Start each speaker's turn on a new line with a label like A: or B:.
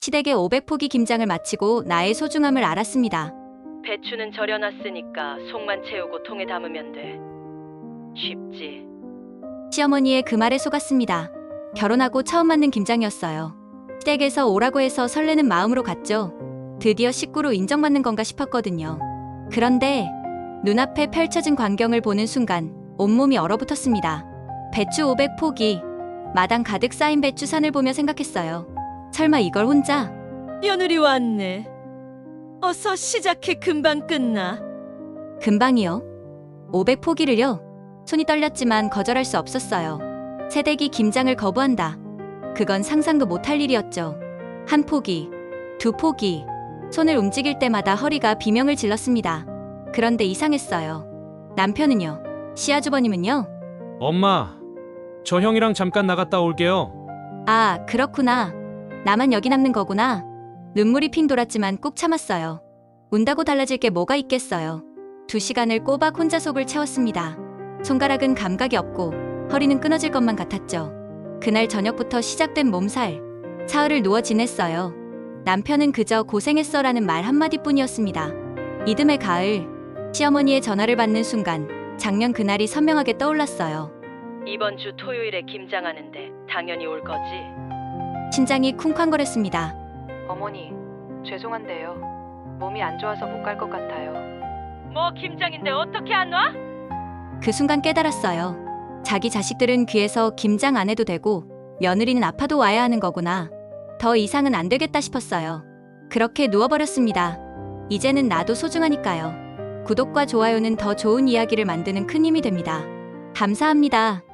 A: 시댁에 500포기 김장을 마치고 나의 소중함을 알았습니다.
B: 배추는 절여놨으니까 속만 채우고 통에 담으면 돼. 쉽지.
A: 시어머니의 그 말에 속았습니다. 결혼하고 처음 맞는 김장이었어요. 시댁에서 오라고 해서 설레는 마음으로 갔죠. 드디어 식구로 인정받는 건가 싶었거든요. 그런데 눈앞에 펼쳐진 광경을 보는 순간 온몸이 얼어붙었습니다. 배추 500포기, 마당 가득 쌓인 배추산을 보며 생각했어요. 설마 이걸 혼자?
B: 며느리 왔네. 어서 시작해. 금방 끝나.
A: 금방이요? 500포기를요? 손이 떨렸지만 거절할 수 없었어요. 새댁이 김장을 거부한다. 그건 상상도 못할 일이었죠. 한 포기, 두 포기. 손을 움직일 때마다 허리가 비명을 질렀습니다. 그런데 이상했어요. 남편은요? 시아주버님은요?
C: 엄마, 저 형이랑 잠깐 나갔다 올게요.
A: 아, 그렇구나. 나만 여기 남는 거구나. 눈물이 핑 돌았지만 꾹 참았어요. 운다고 달라질 게 뭐가 있겠어요. 2시간을 꼬박 혼자 속을 채웠습니다. 손가락은 감각이 없고 허리는 끊어질 것만 같았죠. 그날 저녁부터 시작된 몸살. 사흘을 누워 지냈어요. 남편은 그저 고생했어라는 말 한마디뿐이었습니다. 이듬해 가을, 시어머니의 전화를 받는 순간 작년 그날이 선명하게 떠올랐어요.
B: 이번 주 토요일에 김장하는데 당연히 올 거지.
A: 심장이 쿵쾅거렸습니다.
D: 어머니, 죄송한데요. 몸이 안 좋아서 못 갈 것 같아요.
B: 뭐 김장인데 어떻게 안 와?
A: 그 순간 깨달았어요. 자기 자식들은 귀해서 김장 안 해도 되고 며느리는 아파도 와야 하는 거구나. 더 이상은 안 되겠다 싶었어요. 그렇게 누워버렸습니다. 이제는 나도 소중하니까요. 구독과 좋아요는 더 좋은 이야기를 만드는 큰 힘이 됩니다. 감사합니다.